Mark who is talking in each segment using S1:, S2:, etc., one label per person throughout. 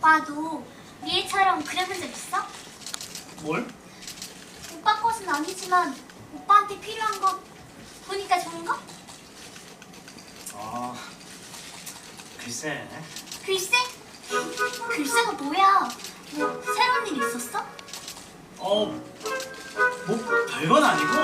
S1: 오빠도 미애처럼 그려본 적 있어?
S2: 뭘?
S1: 오빠 것은 아니지만 오빠한테 필요한 거 보니까 좋은 거?
S2: 아, 글쎄.
S1: 글쎄? 글쎄가 뭐야? 뭐 새로운 일 있었어?
S2: 뭐 별건 아니고.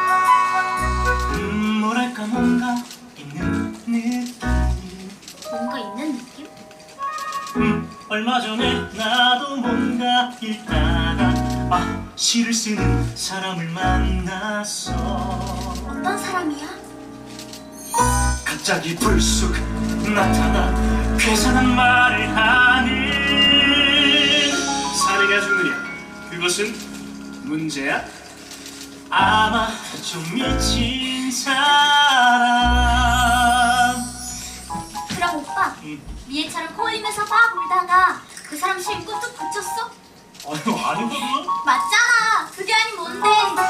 S2: 뭐랄까 뭔가 있는 느낌.
S1: 뭔가 있는 느낌?
S2: 얼마 전에 나도 뭔가 읽다가 시를 쓰는 사람을 만났어.
S1: 어떤 사람이야?
S2: 갑자기 불쑥 나타나 괴상한 말을 하는. 사내가 죽느냐? 그것은 문제야? 아마 좀 미친 사람.
S1: 그럼 오빠 미애처럼 코 흘리면서 막 울다가 그 사람 실고 뚝 붙였어?
S2: 아니거든.
S1: 맞잖아. 그게 아닌 뭔데?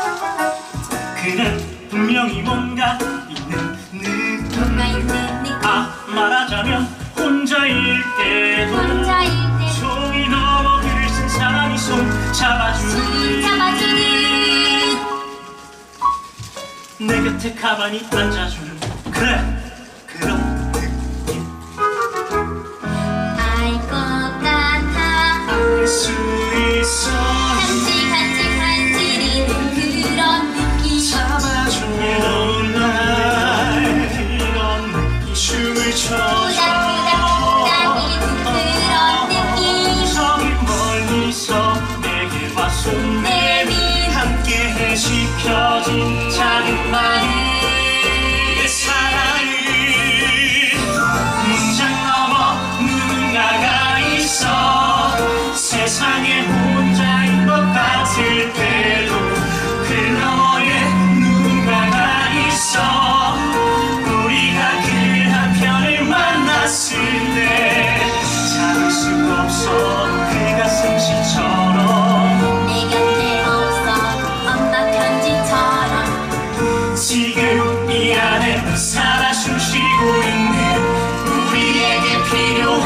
S2: 그는 분명히 뭔가 있는 느낌.
S1: 뭔가 있는 느낌.
S2: 말하자면 혼자일 때도
S1: 혼자일 때
S2: 종이 넘어 글을 쓴 사람이 손 잡아주는. 내 곁에 가만히 앉아주는. 그래, 그런 느낌.
S1: 알 것 같아.
S2: 알 수 있어.
S1: 간질간질간질이는 그런 느낌.
S2: 잡아주는 날 이런 느낌. 춤을 춰줘.
S1: 토닥토닥토닥이는 그런 느낌.
S2: 저기 멀리서 내게 와 손 내민 함께해 지켜진 작은 마음. 내 사랑을 문장 넘어 누군가가 있어. 세상에 혼자인 것 같을 때도 그 너머에 누군가가 있어. 우리가 그 한편을 만났을 때 참을 수가 없어. 그 가슴 시처럼
S1: 내 곁에 없어. 엄마 편지처럼.
S2: 지금 이 안에 살아 숨쉬고 있는 우리에게 필요한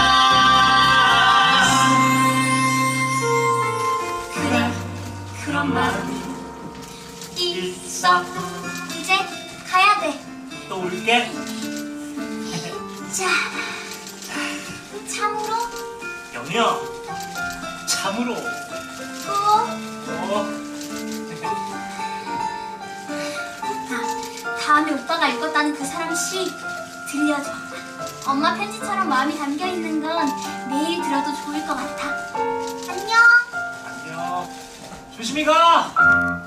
S2: 그런 마음이 있어.
S1: 이제 가야 돼.
S2: 또 올게.
S1: 자, 참으로
S2: 영희야, 참으로.
S1: 또 다음에 오빠가 읽었다는 그 사람 시 들려줘. 엄마 편지처럼 마음이 담겨 있는 건 매일 들어도 좋을 것 같아. 안녕.
S2: 안녕. 조심히 가.